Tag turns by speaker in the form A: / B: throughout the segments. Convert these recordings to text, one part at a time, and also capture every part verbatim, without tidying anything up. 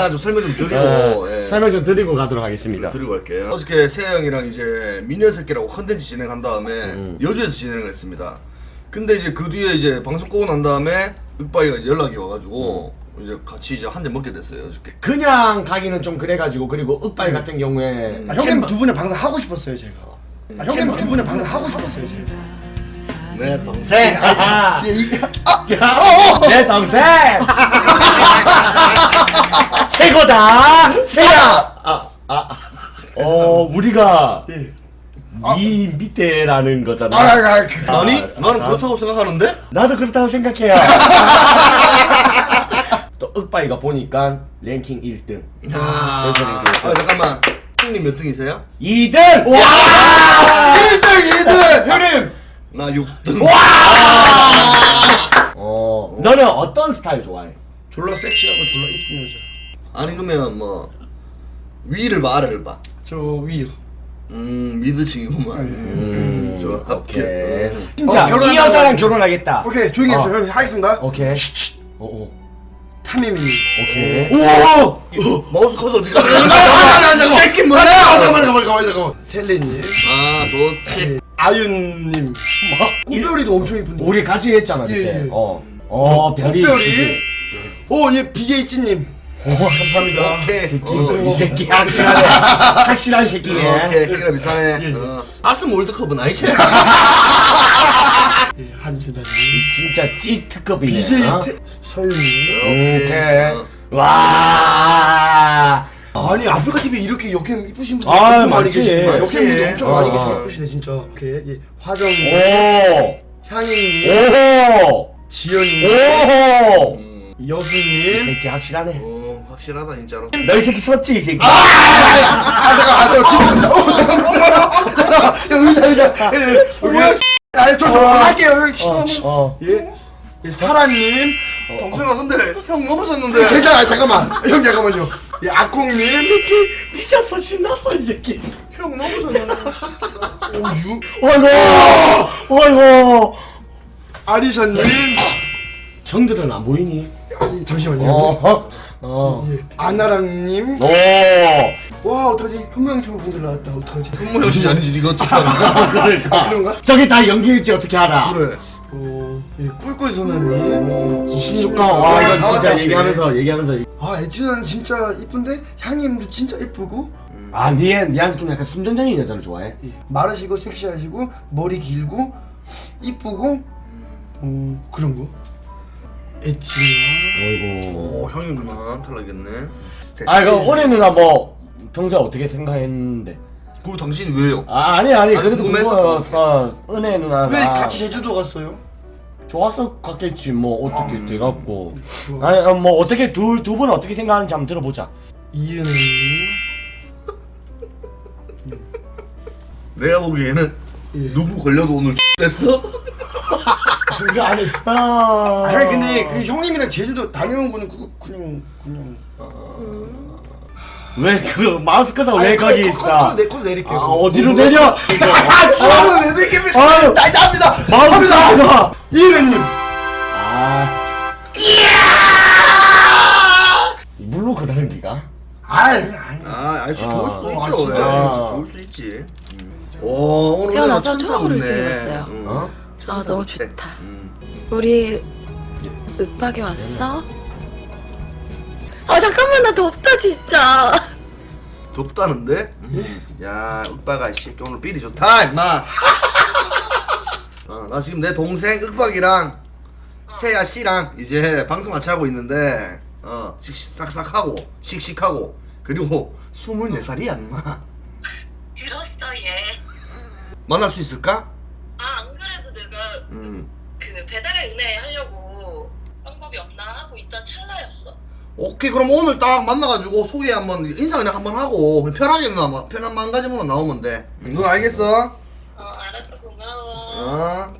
A: 제가 좀 설명 좀 드리고
B: 어,
A: 예.
B: 설명 좀 드리고 가도록 하겠습니다.
A: 드리고 갈게요. 어저께 세아 형이랑 이제 미녀새끼라고 컨텐츠 진행한 다음에
B: 음.
A: 여주에서 진행을 했습니다. 근데 이제 그 뒤에 이제 방송 끄고 난 다음에 윽박이가 이제 연락이 와가지고 음. 이제 같이 이제 한 잔 먹게 됐어요 어저께.
B: 그냥 가기는 좀 그래가지고 그리고 윽바이 같은 경우에
C: 아, 형님 두 분의 방송 하고 싶었어요 제가. 아, 형님 두 분의 방송 하고 싶었어요 제가.
A: 내 동생.
B: 아하.
C: 예, 이,
B: 야, 내 동생 최고다 세야. 아, 아, 어 우리가
C: 예.
B: 이 밑에라는 거잖아.
C: 아, 아, 아, 그,
A: 아니
B: 아,
A: 나는
B: 아.
A: 그렇다고 생각하는데?
B: 나도 그렇다고 생각해요. 또 윽바이가 보니까 랭킹 일 등.
A: 아,
B: 전체 랭킹 일 등.
A: 아 잠깐만. 형님 몇 등이세요?
B: 이 등.
C: 와! 일 등 이 등! 형님!
A: 나 육 등.
B: 어, 너는 어떤 스타일 좋아해?
C: 졸라 섹시하고 졸라 이쁜 여자.
A: 아니 그러면 뭐 위를 봐 아래를 봐?
C: 저 위요.
A: 음 미드층이구만. 음, 좋아.
B: 오케이.
A: 음.
B: 진짜
C: 어, 결혼한다고
B: 이 여자랑
C: 했는데.
B: 결혼하겠다.
C: 오케이 조용히 해주세요.
B: 어.
C: 형님 하겠습니다.
B: 오케이. 어, 어.
C: 타미미.
B: 오케이.
A: 오! 마우스 커서 어디 갔어?
C: 잠깐만,
A: 이 새끼 뭐야?
C: 잠깐만 잠깐만 잠깐만 잠깐만. 셀레님.
A: 아 좋지.
C: 아윤님. 꽃별이도 엄청 이쁜데.
B: 우리 같이 했잖아 그때.
C: 예, 예.
B: 어. 어, 별이.
C: 꽃별이. 오, 예, 비제이 찐님.
B: 오, 감사합니다.
A: 오케이.
B: 새끼.
A: 어,
B: 이 새끼 확실하네. 확실한 새끼네.
A: 오케이. 형이랑 비슷하네. 어. 아스모 월드컵은 아니지?
C: 예, 한진아님.
B: 진짜 찌 특급이네.
C: 비제이
B: 어?
C: 태... 서윤님.
B: 오케이.
A: 어.
B: 와.
C: 아니 아프리카 티비에 이렇게 역행 이쁘신 분들
B: 아,
C: 엄청 많이
B: 맞지.
C: 계시네.
A: 맞지.
C: 역행분들 엄청 많이
B: 어.
C: 계시네. 이쁘시네 진짜. 오케이. 예. 화정님,
B: 오.
C: 향인님,
B: 오호.
C: 지연님,
B: 오호.
A: 음.
B: 이
C: 여수님.
B: 새끼 확실하네.
A: 어 확실하다 진짜로.
B: 너 이 새끼 섰지 이 새끼.
C: 아 잠깐 아 저 지금 의자 의자. 뭐야? 아저 저 할게요.
B: 어, 어.
C: 예. 예 사라님.
A: 동생아 근데 형 넘어졌는데.
C: 괜찮아 잠깐만. 형 잠깐만요. 예 악콩님.
B: 미쳤어 신났어 이 새끼.
A: 형 넘어졌는데.
C: 오유.
B: 어이구. 어이구.
C: 아리샤님.
B: 형들은 안 보이니?
C: 아니 잠시만요.
B: 어. 어.
C: 예. 아나랑님.
B: 오.
C: 와 어떡하지? 현명청 분들 나왔다. 어떡하지?
A: 현모 형씨 아니지 네가 어떻게 하는
B: 그러니까.
C: 아 그런가?
B: 저기 다 연기일지 어떻게 알아?
A: 그래.
C: 어, 예, 꿀꿀 선언님.
B: 십육 강. 와 이건 진짜
A: 나왔다,
B: 얘기하면서 얘기하면서.
C: 아 에지는 진짜 이쁜데 향님도 진짜 이쁘고
B: 아 니에 니한테 좀 약간 순정적인 여자를 좋아해?
C: 예, 마르시고 섹시하시고 머리 길고 이쁘고 음 그런 거. 에지나.
B: 어이구.
A: 오 형이구나 탈락했네.
B: 아 그럼 오래 누나 뭐 평소에 어떻게 생각했는데?
A: 그 당신이 왜요?
B: 아 아니 아니
A: 아니,
B: 그래도
A: 궁금해서.
B: 궁금했어. 은혜 누나가
C: 왜 같이 제주도 갔어요?
B: 좋았어 갔겠지 뭐 어떻게
C: 아,
B: 돼갖고.
C: 좋아.
B: 아니 어, 뭐 어떻게 둘 두 분 어떻게 생각하는지 한번 들어보자.
C: 이은혜님.
A: 내가 보기에는
C: 예.
A: 누구 걸려도 오늘 됐어?
B: 그거 아니. 아.
C: 아니 근데 그 형님이랑 제주도 다녀온 거는 그거 그냥 그냥.
B: 왜그 마스크사 왜 거기 있어?
C: 내 컷 내릴게요.
B: 아 어디로 내려?
C: 아 지금 왜 내릴게?
B: 아유.
C: 날짜합니다.
B: 마스크사.
C: 이은혜님.
B: 아. 물로 그러는 니가?
C: 아이 아니.
A: 아, 아니 좋을 수도
C: 아,
A: 있죠.
C: 진짜.
A: 예, 좋을 수 있지. 오, 오늘
D: 태어나서
A: 천사
D: 처음으로
A: 같네.
D: 이렇게 봤어요.
A: 응.
B: 어?
D: 아 너무 좋다.
A: 음.
D: 우리 윽박이 왔어? 아 잠깐만 나 덥다 진짜.
A: 덥다는데? 음. 야, 윽박아 씨, 오늘 삘이 좋다, 임마. 어, 나 지금 내 동생 윽박이랑 세아 씨랑 이제 방송 같이 하고 있는데, 어, 씩씩싹싹하고 씩씩하고 그리고 스물네 살이야, 임마.
E: 들었어 얘.
A: 만날 수 있을까?
E: 아 안 그래도 내가
A: 음.
E: 그 배달의 은혜 하려고 방법이 없나 하고 있던 찰나였어.
A: 오케이, 그럼 오늘 딱 만나가지고 소개 한번 인사 그냥 한번 하고 그냥 편하게 누나 편한 마음가짐으로 나오면 돼. 너 알겠어?
E: 어 알았어 고마워.
A: 어.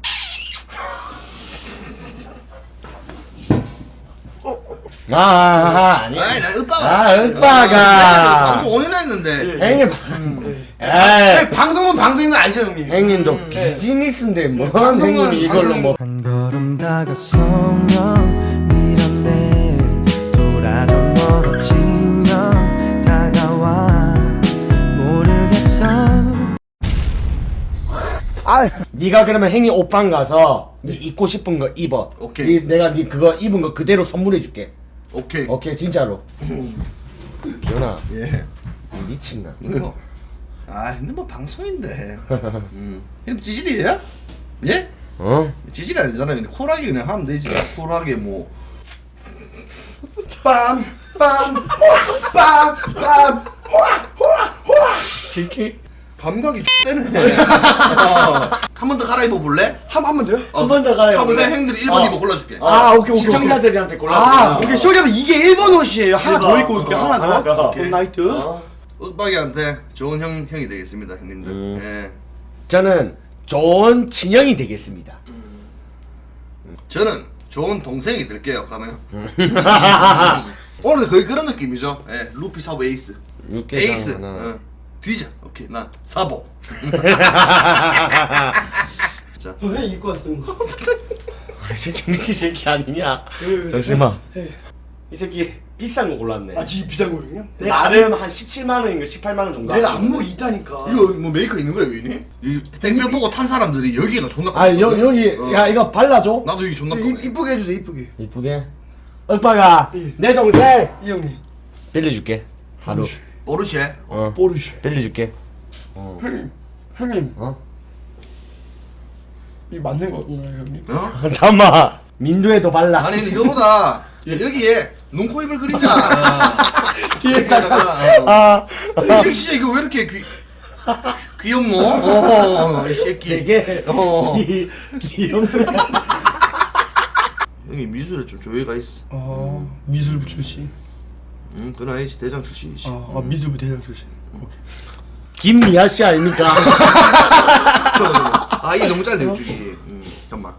B: 아, 아 아니.
A: 아이, 나 윽박아.
B: 아, 윽박아.
A: 방송 오 년 했는데.
B: 형님.
C: 네,
B: 에이.
C: 방송은 방송인 거 알죠 형님?
B: 형님도 비즈니스인데 뭐
C: 방송은-
B: 형님이 이걸로 뭐.
F: 한 걸음 다가서면 밀어내 돌아져 멀어지
C: 아,
B: 네가 그러면 행이 옷방 가서 네 입고 싶은 거 입어.
A: 오케이.
B: 네, 내가 네 그거 입은 거 그대로 선물해 줄게.
A: 오케이.
B: 오케이 진짜로. 기현아
A: 예.
B: 미친나.
A: 뭐. 아 근데 뭐 방송인데. 음. 이름 찌질이에요? 예?
B: 어?
A: 찌질이 아니잖아요. 그냥 쿨하게 그냥 하면 되지. 쿨하게 뭐.
C: 빰, 빰, 빰, 빰.
B: 시키?
A: 감각이 X되네. 어. 한 번 더 갈아입어 볼래?
C: 한, 한 번 더요?
B: 한 번 더 가요.
A: 한번 더 행들이 일 번
B: 어.
A: 입어 골라줄게.
C: 아, 오케이, 오케이,
B: 시청자들한테 골라.
C: 아, 오케이. 쇼리하면 이게 일 번 옷이에요. 하나 더 입고 올게요.
B: 어,
C: 하나
B: 하나
C: 더.
B: 더.
C: 굿 나이트.
A: 윽박이한테 좋은 형, 형이 되겠습니다, 형님들.
B: 음.
A: 예.
B: 저는 좋은 친형이 되겠습니다.
A: 저는 좋은 동생이 될게요, 가면. 오늘도 거의 그런 느낌이죠. 예, 루피 사보 에이스.
B: 육개
A: 에이스.
B: 하나.
A: 어. 뒤져. 오케이, 나 사보. 자,
C: 왜 입고 왔습니다.
B: 이 새끼 미친 새끼 아니냐? 잠시만. 이 새끼 비싼 거 골랐네.
C: 아, 진짜 비싼 거예요?
B: 나름 한 십칠만 원인가 십팔만 원 정도.
C: 내가
B: 하거든.
C: 안목이 있다니까.
A: 이거 뭐 메이커 있는 거예요, 위니? 이 땡볕 보고 탄 사람들이 여기가 존나
B: 아 여,
A: 깜깜거든.
B: 여기
A: 어.
B: 야 이거 발라줘.
A: 나도 여기 존나
C: 이-
A: 깜깜해.
C: 이쁘게 해주세요, 이쁘게.
B: 이쁘게. 오빠가
C: 예.
B: 내 동생
C: 이 형님.
B: 빌려줄게. 하루.
A: 보르쉐.
B: 어.
C: 보르쉐.
B: 빌려줄게. 어.
C: 형님, 형님.
B: 어?
C: 이 맞는 건가요, 형님?
A: 어?
B: 잠깐만. 민두에도 발라.
A: 아니, 근데 이거보다 여기에 눈, 코, 입을 그리자. 어. 뒤에다가. 어.
B: 아.
A: 이 새끼 진짜 이거 왜 이렇게 귀 귀엽노? 어, 이 새끼.
B: 되게
A: 어.
B: 귀 귀여운.
A: 형이 미술에 좀 조예가 있어.
C: 어, 미술부 출신.
A: 응, 그건 아니지. 대장 출신이지.
C: 아, 아 미술부 대장 출신. 오케이.
B: 김미아 씨 아닙니까?
A: 아, 이게 너무 짧네, 이쪽이. 음, 잠깐만.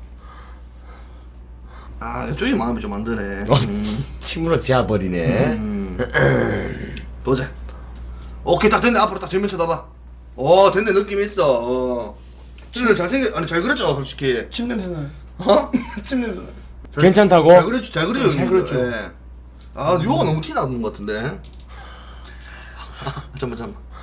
A: 아, 이쪽이 마음이 좀 안 드네.
B: 어,
A: 음,
B: 침으로 지어버리네.
A: 음. 보자. 오케이, 딱 됐네. 앞으로 딱 정면 쳐다봐. 어, 됐네. 느낌 있어. 어. 진짜 잘생겼, 아니, 잘 그렸죠, 솔직히.
C: 침 냄새 나요.
A: 어?
C: 침 냄새 나요.
A: 잘-
B: 괜찮다고?
A: 잘 그렸죠, 잘 그려요.
C: 잘
A: 형님들.
C: 그렸죠.
A: 예. 아, 요가 너무 티 나는 것 같은데. 아, 잠깐만, 잠깐만.